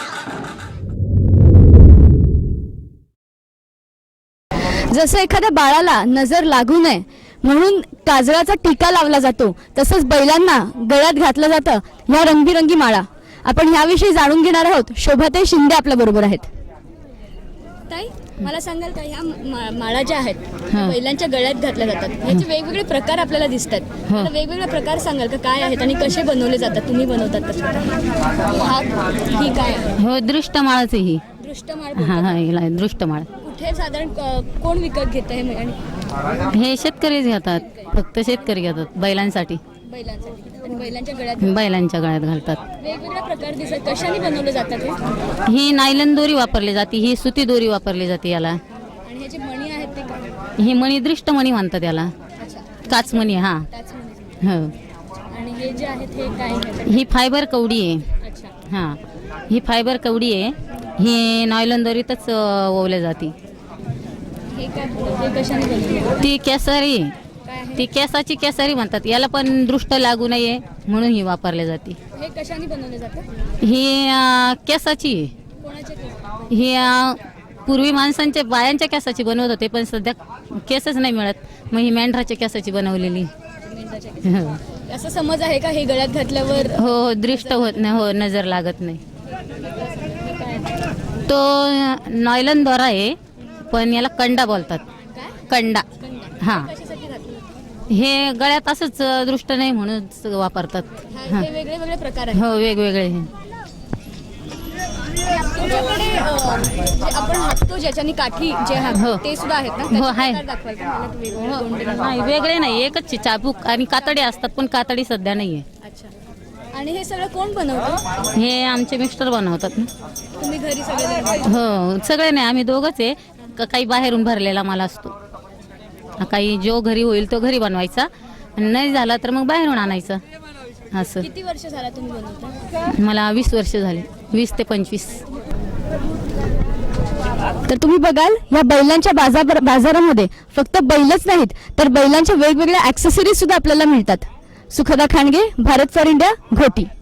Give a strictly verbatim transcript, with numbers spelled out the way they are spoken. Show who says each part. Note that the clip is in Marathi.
Speaker 1: जसं एखाद्या बाळाला नजर लागू नये म्हणून काजळाचा टीका लावला जातो, तसंच बैलांना गळ्यात घातलं जातं ह्या रंगबिरंगी माळा. आपण ह्याविषयी जाणून घेणार आहोत. शोभाताई शिंदे आपल्या बरोबर आहेत. ताई, मला सांगाल का ह्या माळा ज्या आहेत बैलांच्या गळ्यात घातल्या जातात, ह्याचे वेगवेगळे प्रकार आपल्याला दिसतात. मला वेगवेगळे प्रकार सांगाल का काय आहेत आणि कसे बनवले जातात? तुम्ही बनवतात तर हा ही काय आहे?
Speaker 2: हो, दृष्टमाळाची ही
Speaker 1: दृष्टमाळ.
Speaker 2: हा हा हिला दृष्टमाळ.
Speaker 1: कुठे साधारण कोण विकत घेत आहे? आणि
Speaker 2: हे शेतकरीच घेतात, फक्त शेतकरी घेतात बैलांसाठी.
Speaker 1: बैलांसाठी आणि बैलांच्या गळ्यात
Speaker 2: बैलांच्या गळ्यात घालतात.
Speaker 1: वेगवेगळे प्रकार दिसतात. कशाने बनवले जातात हे?
Speaker 2: ही नायलन दोरी वापरली जाते, ही सुती दोरी वापरली जाते याला.
Speaker 1: आणि ह्याचे मणी आहेत ते काय?
Speaker 2: ही मणी दृष्टमणी म्हणतात याला.
Speaker 1: अच्छा,
Speaker 2: काचमणी. हा
Speaker 1: त्याच मणी.
Speaker 2: हो.
Speaker 1: आणि हे जे आहेत हे काय आहे?
Speaker 2: ही फायबर कवडी आहे.
Speaker 1: अच्छा.
Speaker 2: हा, ही फायबर कवडी आहे. ही नायलन दोरीतच ओवल्या जाते.
Speaker 1: हे काय हे कशाने बनवले?
Speaker 2: ती केसरी,
Speaker 1: काय आहे?
Speaker 2: ती केसाची केसरी म्हणतात याला, पण दृष्ट लागू नये म्हणून ही वापरली जाते.
Speaker 1: हे कशाने बनवले जातात?
Speaker 2: ही अं, केसाची आहे.
Speaker 1: कोणाचे केस?
Speaker 2: ही अं, पूर्वी माणसांच्या बायांच्या केसाची बनवत होते, पण सध्या केसच नाही मिळत, मग ही मेंढराच्या केसाची बनवलेली.
Speaker 1: मेंढराच्या केस. असं समज आहे का हे गळ्यात घातल्यावर
Speaker 2: हो हो, दृष्ट होत नाही. हो, नजर लागत नाही. तो नॉयलन दोरा आहे, पण याला कंडा बोलतात. कंडा. हा,
Speaker 1: कशासाठी घातलं?
Speaker 2: हे गळ्यात असंच दृष्ट नाही म्हणून वापरतात.
Speaker 1: हा, हे वेगळे वेगळे प्रकार आहेत.
Speaker 2: हो, वेगवेगळे.
Speaker 1: तुमच्याकडे अं, जे आपण हाततो ज्याच्याने काठी जे
Speaker 2: हो.
Speaker 1: हात ते सुद्धा आहेत ना?
Speaker 2: हो, आहे.
Speaker 1: त्याचे प्रकार दाखवाल का मला? वेगवेगळे
Speaker 2: हो,
Speaker 1: दोंडे दाखवा.
Speaker 2: नाही, वेगळे नाही, एकच आहे. चाबूक आणि कातडी असतात, पण कातडी सध्या नाहीये.
Speaker 1: अच्छा. आणि हे सगळं कोण बनवतं?
Speaker 2: हे आमचे मिस्टर बनवतात ना.
Speaker 1: तुम्ही घरी सगळे?
Speaker 2: हो, सगळे नाही, आम्ही दोघंच आहे. का- काही बाहेरून भरलेला माल असतो, काही जो घरी होईल तो घरी बनवायचा, आणि नाही झाला तर मग बाहेरून आणायचं. असं.
Speaker 1: किती वर्ष झाला तुम्ही बनवता?
Speaker 2: मला वीस वर्ष झाले, वीस ते पंचवीस.
Speaker 1: तर तुम्ही बघाल या बैलांच्या बाजार बाजारामध्ये फक्त बैलच नाहीत तर बैलांच्या वेगवेगळ्या ॲक्सेसरीज सुद्धा आपल्याला मिळतात. Sukhada Khandge, Bharat for India, Ghoti.